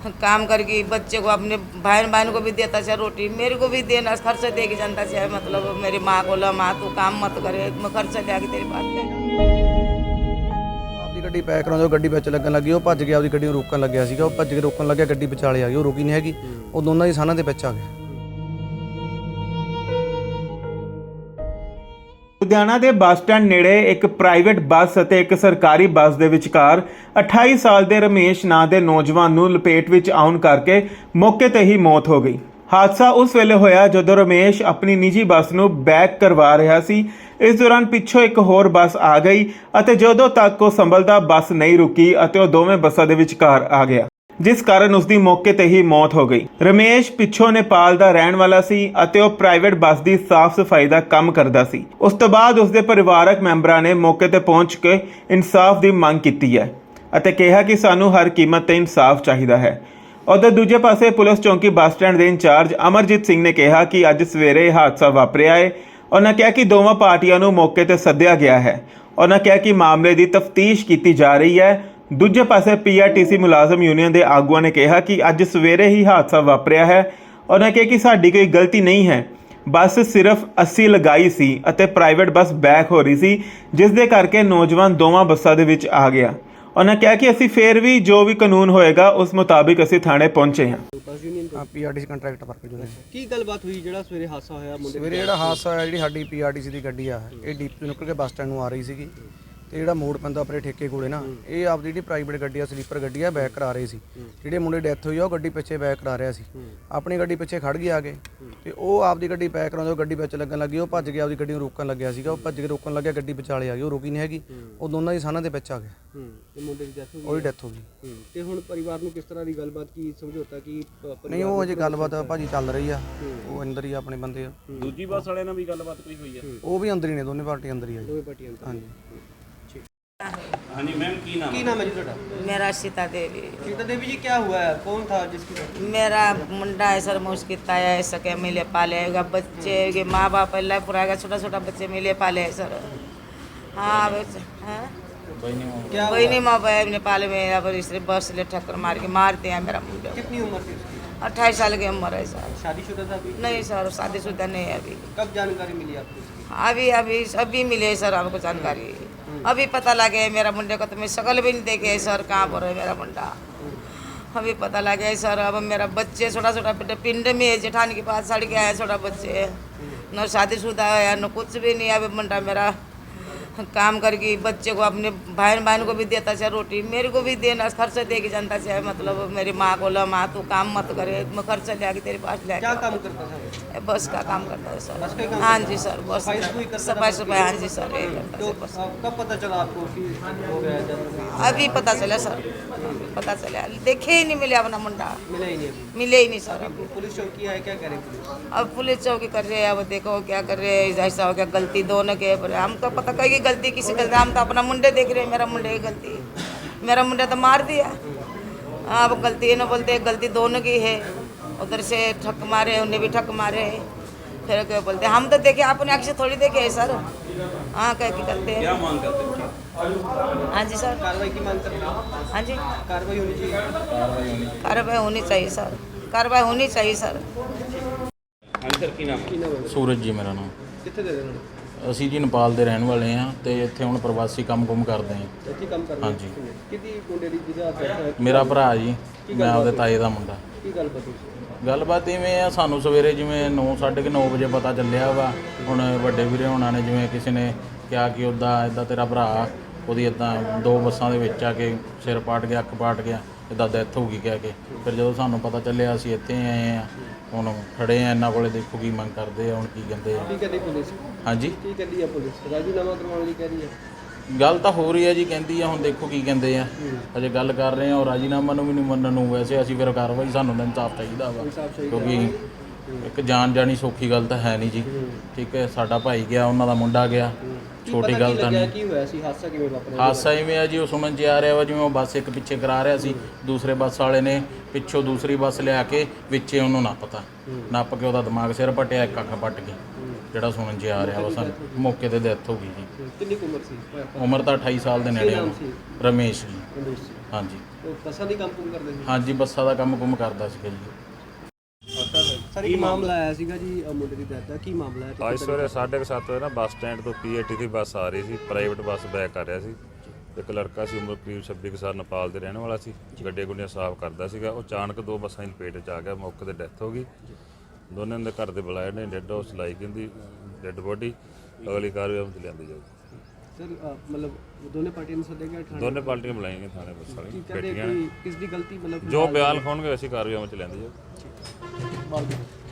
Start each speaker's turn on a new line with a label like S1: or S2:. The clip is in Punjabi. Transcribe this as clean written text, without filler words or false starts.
S1: काम करके बच्चे को अपने भाई बहन को भी देता चाहे रोटी मेरे को भी देना खर्चा दे के जनता चाहे मतलब मेरी माँ को ला माँ तू काम मत करे मैं खर्चा दे के तेरी बात ले
S2: ਆਪਦੀ ਗੱਡੀ ਪੈਕ ਕਰਾਉਂਦੇ ਗੱਡੀ ਵਿੱਚ ਲੱਗਣ ਲੱਗੀ ਉਹ ਭੱਜ ਗਿਆ ਆਪਦੀ ਗੱਡੀ ਨੂੰ ਰੋਕਣ ਲੱਗਿਆ ਸੀਗਾ ਉਹ ਭੱਜ ਕੇ ਰੋਕਣ ਲੱਗਿਆ ਗੱਡੀ ਵਿਚਾਲੇ ਆ ਗਈ ਉਹ ਰੁਕੀ ਨਹੀਂ ਹੈਗੀ ਉਹ ਦੋਨਾਂ ਦੀ ਸਾਨਾਂ ਦੇ ਵਿੱਚ ਆ ਗਿਆ।
S3: ਲੁਧਿਆਣਾ ਦੇ ਬੱਸ ਸਟੈਂਡ ਨੇੜੇ ਇੱਕ ਪ੍ਰਾਈਵੇਟ ਬੱਸ ਅਤੇ ਇੱਕ ਸਰਕਾਰੀ ਬੱਸ ਦੇ ਵਿਚਕਾਰ 28 ਸਾਲ ਦੇ ਰਮੇਸ਼ ਨਾਂ ਦੇ ਨੌਜਵਾਨ ਨੂੰ ਲਪੇਟ ਵਿੱਚ ਆਉਣ ਕਰਕੇ ਮੌਕੇ ਤੇ ਹੀ ਮੌਤ ਹੋ ਗਈ। ਹਾਦਸਾ ਉਸ ਵੇਲੇ ਹੋਇਆ ਜਦੋਂ ਰਮੇਸ਼ ਆਪਣੀ ਨਿੱਜੀ ਬੱਸ ਨੂੰ ਬੈਕ ਕਰਵਾ ਰਿਹਾ ਸੀ। ਇਸ ਦੌਰਾਨ ਪਿੱਛੋਂ ਇੱਕ ਹੋਰ ਬੱਸ ਆ ਗਈ ਅਤੇ ਜਦੋਂ ਤੱਕ ਉਹ ਸੰਭਲਦਾ ਬੱਸ ਨਹੀਂ ਰੁਕੀ ਅਤੇ ਉਹ ਦੋਵੇਂ ਬੱਸਾਂ ਦੇ ਵਿਚਕਾਰ ਆ ਗਿਆ, ਜਿਸ ਕਾਰਨ ਉਸ ਦੀ ਮੌਕੇ ਤੇ ਹੀ ਮੌਤ ਹੋ ਗਈ। ਰਮੇਸ਼ ਪਿੱਛੋਂ ਨੇਪਾਲ ਦਾ ਰਹਿਣ ਵਾਲਾ ਸੀ ਅਤੇ ਉਹ ਪ੍ਰਾਈਵੇਟ ਬੱਸ ਦੀ ਸਾਫ਼ ਸਫਾਈ ਦਾ ਕੰਮ ਕਰਦਾ ਸੀ। ਉਸ ਤੋਂ ਬਾਅਦ ਉਸ ਦੇ ਪਰਿਵਾਰਕ ਮੈਂਬਰਾਂ ਨੇ ਮੌਕੇ ਤੇ ਪਹੁੰਚ ਕੇ ਇਨਸਾਫ ਦੀ ਮੰਗ ਕੀਤੀ ਹੈ ਅਤੇ ਕਿਹਾ ਕਿ ਸਾਨੂੰ ਹਰ ਕੀਮਤ ਤੇ ਇਨਸਾਫ ਚਾਹੀਦਾ ਹੈ। ਉਧਰ ਦੂਜੇ ਪਾਸੇ ਪੁਲਿਸ ਚੌਂਕੀ ਬੱਸ ਸਟੈਂਡ ਦੇ ਇੰਚਾਰਜ ਅਮਰਜੀਤ ਸਿੰਘ ਨੇ ਕਿਹਾ ਕਿ ਅੱਜ ਸਵੇਰੇ ਹਾਦਸਾ ਵਾਪਰਿਆ ਹੈ। ਉਹਨਾਂ ਕਿਹਾ ਕਿ ਦੋਵਾਂ ਪਾਰਟੀਆਂ ਨੂੰ ਮੌਕੇ ਤੇ ਸੱਦਿਆ ਗਿਆ ਹੈ। ਉਹਨਾਂ ਕਿਹਾ ਕਿ ਮਾਮਲੇ ਦੀ ਤਫਤੀਸ਼ ਕੀਤੀ ਜਾ ਰਹੀ ਹੈ। ਦੂਜੇ ਪਾਸੇ ਪੀਆਰਟੀਸੀ ਮੁਲਾਜ਼ਮ ਯੂਨੀਅਨ ਦੇ ਆਗੂਆਂ ਨੇ ਕਿਹਾ ਕਿ ਅੱਜ ਸਵੇਰੇ ਹੀ ਹਾਦਸਾ ਵਾਪਰਿਆ ਹੈ। ਉਹਨਾਂ ਕਿਹਾ ਕਿ ਸਾਡੀ ਕੋਈ ਗਲਤੀ ਨਹੀਂ ਹੈ, ਬੱਸ ਸਿਰਫ 80 ਲਗਾਈ ਸੀ ਅਤੇ ਪ੍ਰਾਈਵੇਟ ਬੱਸ ਬੈਕ ਹੋ ਰਹੀ ਸੀ, ਜਿਸ ਦੇ ਕਰਕੇ ਨੌਜਵਾਨ ਦੋਵਾਂ ਬੱਸਾਂ ਦੇ ਵਿੱਚ ਆ ਗਿਆ। ਉਹਨਾਂ ਕਿਹਾ ਕਿ ਅਸੀਂ ਫੇਰ ਵੀ ਜੋ ਵੀ ਕਾਨੂੰਨ ਹੋਏਗਾ ਉਸ ਮੁਤਾਬਿਕ ਅਸੀਂ ਥਾਣੇ ਪਹੁੰਚੇ ਹਾਂ।
S2: ਪੀਆਰਟੀਸੀ ਕੰਟਰੈਕਟ ਵਰਕਰ ਯੂਨੀਅਨ
S4: ਕੀ ਗੱਲਬਾਤ ਹੋਈ ਜਿਹੜਾ ਸਵੇਰੇ ਹਾਦਸਾ ਹੋਇਆ ਮੁੰਡੇ
S2: ਸਵੇਰੇ ਜਿਹੜਾ ਹਾਦਸਾ ਹੋਇਆ ਜਿਹੜੀ ਸਾਡੀ ਪੀਆਰਟੀਸੀ ਦੀ ਗੱਡੀ ਆ ਇਹ ਡੀਪ ਤੋਂ ਨਿਕਲ ਕੇ ਬੱਸ ਸਟੈਂਡ ਨੂੰ ਆ ਰਹੀ ਸੀਗੀ ਤੇ ਜਿਹੜਾ ਮੋੜ ਪੈਂਦਾ ਆਪਣੇ ਠੇਕੇ ਕੋਲੇ ਨਾ ਇਹ ਆਪਦੀ ਜਿਹੜੀ ਪ੍ਰਾਈਵੇਟ ਗੱਡੀ ਆ ਸਲੀਪਰ ਗੱਡੀ ਆ ਬੈਕ ਕਰਾ ਰਹੇ ਸੀ। ਜਿਹੜੇ ਮੁੰਡੇ ਡੈਥ ਹੋਈ ਆ ਉਹ ਗੱਡੀ ਪਿੱਛੇ ਬੈਕ ਕਰਾ ਰਿਹਾ ਸੀ, ਆਪਣੀ ਗੱਡੀ ਪਿੱਛੇ ਖੜ ਗਏ ਆ ਕੇ ਤੇ ਉਹ ਆਪਦੀ ਗੱਡੀ ਪੈਕ ਕਰਾਉਂਦੇ ਗੱਡੀ ਵਿੱਚ ਲੱਗਣ ਲੱਗੀ ਉਹ ਭੱਜ ਗਿਆ ਆਪਦੀ ਗੱਡੀ ਨੂੰ ਰੋਕਣ ਲੱਗਿਆ ਸੀਗਾ ਉਹ ਭੱਜ ਕੇ ਰੋਕਣ ਲੱਗਿਆ ਗੱਡੀ ਵਿਚਾਲੇ ਆ ਗਈ ਉਹ ਰੁਕੀ ਨਹੀਂ ਹੈਗੀ ਉਹ ਦੋਨਾਂ ਦੀ ਸਾਨਾਂ ਦੇ ਵਿੱਚ ਆ ਗਿਆ।
S4: ਤੇ ਮੁੰਡੇ ਦੀ ਡੈਥ ਹੋ
S2: ਉਹਦੀ ਡੈਥ ਹੋ ਗਈ।
S4: ਤੇ ਹੁਣ ਪਰਿਵਾਰ ਨੂੰ ਕਿਸ ਤਰ੍ਹਾਂ ਦੀ ਗੱਲਬਾਤ ਕੀ ਸਮਝੌਤਾ ਕੀ
S2: ਨਹੀਂ ਉਹ ਅਜੇ ਗੱਲਬਾਤ ਭਾਜੀ ਚੱਲ ਰਹੀ ਆ, ਉਹ ਅੰਦਰ ਹੀ ਆ, ਆਪਣੇ ਬੰਦੇ ਆ।
S4: ਦੂਜੀ ਬੱਸ ਵਾਲਿਆਂ ਨਾਲ ਵੀ ਗੱਲਬਾਤ ਕੋਈ ਹੋਈ ਹੈ?
S2: ਉਹ ਵੀ ਅੰਦਰ ਹੀ ਨੇ, ਦੋਨੇ ਪਾਰਟੀ ਅੰਦਰ ਹੀ ਆ ਜੀ।
S4: ਦੋਵੇਂ ਪਾਰਟੀਆਂ
S2: ਹਾਂਜੀ
S4: ਹਾਂਜੀ मैम की नाम है जी ਤੁਹਾਡਾ?
S1: मेरा सीता देवी
S4: सीता देवी जी क्या हुआ है, कौन था जिसकी death?
S1: मेरा मुंडा है सर मुश्किल ताया है सके मिले पालेगा बच्चे के माँ बाप अल्लाह पुराएगा छोटा छोटा बच्चे मिले पाले है सर। हाँ
S4: क्या
S1: वही नहीं माँ बाप नेपाल में अब इस बस ले ठक्कर मार के मारते हैं मेरा मुंडा।
S4: कितनी उम्र थी उसकी?
S1: 28 साल की उम्र है सर।
S4: शादीशुदा था अभी?
S1: नहीं सर शादीशुदा नहीं है अभी।
S4: कब जानकारी मिली आपको उसकी?
S1: अभी अभी अभी मिले सर हमको जानकारी, अभी पता लगे मेरा मुंडे को तो मैं शकल भी नहीं देखे सर कहाँ पर है मेरा मुंडा, अभी पता लगे सर। अब मेरा बच्चे छोटा छोटा पिंड में है जेठानी के पास सड़ गया है छोटा बच्चे, न शादीशुदा है न कुछ भी नहीं। अभी मुंडा मेरा काम करके बच्चे को अपने भाई बहन को भी देता चाहे रोटी मेरे को भी देना खर्चा दे के जनता चाहे मतलब मेरी माँ को ला माँ तू काम मत करे मैं खर्चा ले आके तेरे पास ले।
S4: क्या काम करता था?
S1: बस का काम करता है सर।
S4: बस का काम
S1: हाँ जी सर बस
S4: सफाई करता था?
S1: सफाई सफाई हाँ जी सर यही करता
S4: तो
S1: है बस।
S4: कब पता चला आपको कि हो गया है जब?
S1: अभी पता चला सर, पता चला देखे ही नहीं मिले अपना मुंडा,
S4: मिला ही नहीं अभी?
S1: मिले ही नहीं सर। अभी
S4: पुलिस चौकी है, क्या करे पुलिस?
S1: अब पुलिस चौकी कर रहे हैं, अब देखो क्या कर रहे हैं। ऐसा हो गया गलती दोनों के पर हमको पता कहीं गलती किसी गलती, हम तो अपना मुंडे देख रहे हैं मेरा मुंडे की गलती, मेरा मुंडा तो मार दिया। अब गलती ये ना बोलते गलती दोनों की है, उधर से ठक मारे उन्हें भी ठक मारे फिर क्या बोलते हम तो देखे अपने आँख से थोड़ी देखे है सर। हाँ कह के करते हैं।
S4: मांग करते हैं?
S1: हाँ जी सर
S4: कार्रवाई की मांग करते हैं?
S1: हाँ जी
S4: कार्रवाई होनी चाहिए।
S1: कार्रवाई होनी चाहिए सर, कार्रवाई होनी चाहिए सर।
S4: हाँ सर की नाम है?
S5: ਸੂਰਜ ਜੀ ਮੇਰਾ ਨਾਮ।
S4: कितने दे देना?
S5: ਅਸੀਂ ਜੀ ਨੇਪਾਲ ਦੇ ਰਹਿਣ ਵਾਲੇ ਹਾਂ ਤੇ ਇੱਥੇ ਹੁਣ ਪ੍ਰਵਾਸੀ ਕੰਮ ਕਰਦੇ ਹਾਂ।
S4: ਇੱਥੇ ਕੰਮ ਕਰਨਾ?
S5: ਹਾਂਜੀ।
S4: ਕਿਹਦੀ ਮੁੰਡੇ ਦੀ ਜਿਹਦਾ death ਹੋਇਆ?
S5: ਮੇਰਾ ਭਰਾ ਜੀ, ਮੈਂ ਆਪਦੇ ਤਾਏ ਦਾ ਮੁੰਡਾ।
S4: ਕੀ ਗੱਲ ਪਤਾ ਸੀ?
S5: ਗੱਲਬਾਤ ਇਵੇਂ ਆ, ਸਾਨੂੰ ਸਵੇਰੇ ਜਿਵੇਂ 9:30 ਵਜੇ ਪਤਾ ਚੱਲਿਆ ਵਾ। ਹੁਣ ਵੱਡੇ ਵੀਰੇ ਹੋਣਾ ਨੇ ਜਿਵੇਂ ਕਿਸੇ ਨੇ ਕਿਹਾ ਕਿ ਇੱਦਾਂ ਤੇਰਾ ਭਰਾ ਉਹਦੀ ਇੱਦਾਂ 2 ਬੱਸਾਂ ਦੇ ਵਿੱਚ ਆ ਕੇ ਸਿਰ ਪਾਟ ਗਿਆ, ਅੱਖ ਪਾਟ ਗਿਆ, ਇੱਦਾਂ ਡੈਥ ਹੋ ਗਈ ਕਹਿ ਕੇ। ਫਿਰ ਜਦੋਂ ਸਾਨੂੰ ਪਤਾ ਚੱਲਿਆ ਅਸੀਂ ਇੱਥੇ ਆਏ ਆ, ਹੁਣ ਖੜੇ ਆ ਇਹਨਾਂ ਕੋਲੇ, ਦੇਖੋ ਕੀ ਮੰਗ ਕਰਦੇ ਆ, ਹੁਣ ਕੀ ਕਹਿੰਦੇ ਆ।
S4: ਕੀ ਕਹਿੰਦੀ ਪੁਲਿਸ?
S5: ਹਾਂਜੀ
S4: ਕੀ ਕਹਿੰਦੀ ਆ ਪੁਲਿਸ? ਰਾਜੀਨਾਮਾ ਕਰਵਾਉਣ ਲਈ ਕਹਿ ਰਹੀ ਹੈ?
S5: ਗੱਲ ਤਾਂ ਹੋ ਰਹੀ ਹੈ ਜੀ, ਕਹਿੰਦੀ ਆ, ਹੁਣ ਦੇਖੋ ਕੀ ਕਹਿੰਦੇ ਆ। ਅਜੇ ਗੱਲ ਕਰ ਰਹੇ ਆ ਔਰ ਰਾਜੀਨਾਮਾ ਨੂੰ ਵੀ ਨਹੀਂ ਮੰਨਣ ਨੂੰ। ਵੈਸੇ ਅਸੀਂ ਫਿਰ ਕਾਰਵਾਈ, ਸਾਨੂੰ ਤਾਂ ਇਨਸਾਫ ਚਾਹੀਦਾ ਵਾ, ਕਿਉਂਕਿ ਇੱਕ ਜਾਨ ਜਾਣੀ ਸੌਖੀ ਗੱਲ ਤਾਂ ਹੈ ਨਹੀਂ ਜੀ। ਠੀਕ ਹੈ, ਸਾਡਾ ਭਾਈ ਗਿਆ, ਉਹਨਾਂ ਦਾ ਮੁੰਡਾ ਗਿਆ, ਛੋਟੀ ਗੱਲ ਤਾਂ ਨਹੀਂ।
S4: ਕੀ ਹੋਇਆ ਸੀ? ਹਾਦਸਾ ਕਿਵੇਂ ਵਾਪਰਿਆ?
S5: ਹਾਦਸਾ ਇਵੇਂ ਆ ਜੀ, ਉਹ ਸੁਣਨ 'ਚ ਆ ਰਿਹਾ ਵਾ ਜਿਵੇਂ ਉਹ ਬੱਸ ਇੱਕ ਪਿੱਛੇ ਕਰਾ ਰਿਹਾ ਸੀ, ਦੂਸਰੇ ਬੱਸ ਵਾਲੇ ਨੇ ਪਿੱਛੋਂ ਦੂਸਰੀ ਬੱਸ ਲਿਆ ਕੇ ਵਿੱਚੇ ਉਹਨੂੰ ਨੱਪ ਕੇ ਉਹਦਾ ਦਿਮਾਗ ਸਿਰ ਪਟਿਆ, ਇੱਕ ਅੱਖ ਪੱਟ ਗਈ, ਜਿਹੜਾ ਸੁਣਨ 'ਚ ਆ ਰਿਹਾ ਵਾ। ਸਾਨੂੰ ਮੌਕੇ ਤੇ ਡੈਥ ਹੋ ਗਈ ਜੀ।
S4: ਕਿੰਨੀ ਕੁ ਉਮਰ ਸੀ?
S5: ਉਮਰ ਤਾਂ 28 ਸਾਲ ਦੇ ਨੇੜੇ।
S4: ਨਾਮ ਸੀ?
S5: ਰਮੇਸ਼ ਜੀ।
S4: ਰਮੇਸ਼ ਸੀ।
S5: ਹਾਂਜੀ।
S4: ਉਹ ਬੱਸਾਂ ਦੀ ਕੰਮ ਕੁਮ ਕਰਦੇ ਸੀ।
S5: ਹਾਂਜੀ ਬੱਸਾਂ ਦਾ ਕੰਮ ਕੁਮ ਕਰਦਾ ਸੀਗਾ ਜੀ।
S4: ਸਰ ਇੱਕ ਮਾਮਲਾ ਆਇਆ ਸੀਗਾ ਜੀ ਮੁੰਡੇ ਦੀ ਡੈਥ ਦਾ, ਕੀ ਮਾਮਲਾ ਹੈ?
S6: ਅੱਜ ਸਵੇਰੇ 7:30 ਵਜੇ ਨਾ ਬੱਸ ਸਟੈਂਡ ਤੋਂ ਪੀਏਟੀ ਦੀ ਬੱਸ ਆ ਰਹੀ ਸੀ, ਪ੍ਰਾਈਵੇਟ ਬੱਸ ਬੈਕ ਕਰ ਰਿਹਾ ਸੀ। ਇੱਕ ਲੜਕਾ ਸੀ, ਉਮਰ ਕਰੀਬ 26 ਕੁ ਸਾਲ, ਨੇਪਾਲ ਦੇ ਰਹਿਣ ਵਾਲਾ ਸੀ, ਗੱਡੀਆਂ ਗੁੱਡੀਆਂ ਸਾਫ਼ ਕਰਦਾ ਸੀਗਾ। ਉਹ ਅਚਾਨਕ ਦੋ ਬੱਸਾਂ ਦੀ ਲਪੇਟ 'ਚ ਆ ਗਿਆ, ਮੌਕੇ ਤੇ ਡੈਥ ਹੋ ਗਈ। ਦੋਨਾਂ ਦੇ ਘਰ ਦੇ ਬੁਲਾਏ ਨੇ, ਡੈੱਡ ਹਾਊਸ ਲਾਈ ਗਈ ਡੈੱਡ ਬੋਡੀ, ਅਗਲੀ ਕਾਰਵਾਈ ਅਮਲ 'ਚ ਲਿਆਂਦੀ ਜਾਊਗੀ।
S4: ਸਰ ਮਤਲਬ ਦੋਨੇ ਪਾਰਟੀਆਂ ਨੂੰ ਸੱਦਿਆ ਗਿਆ ਥਾਣੇ?
S6: ਦੋਨੇ ਪਾਰਟੀਆਂ ਬੁਲਾਈਆਂ ਗਈਆਂ ਥਾਣੇ ਬੱਸ
S4: ਕੀ
S6: ਵਾਲੀਆਂ
S4: ਕਹਿੰਦੇ
S6: ਬੈਠੀਆਂ ਨੇ।
S4: ਕਿਸ ਦੀ ਗਲਤੀ ਮਤਲਬ
S6: ਜੋ ਬਿਆਨ ਲਿਖਾਉਣਗੇ ਅਸੀਂ ਕਾਰਵਾਈ ਅਮਲ 'ਚ ਲਿਆਂਦੀ ਜਾਊਗੀ।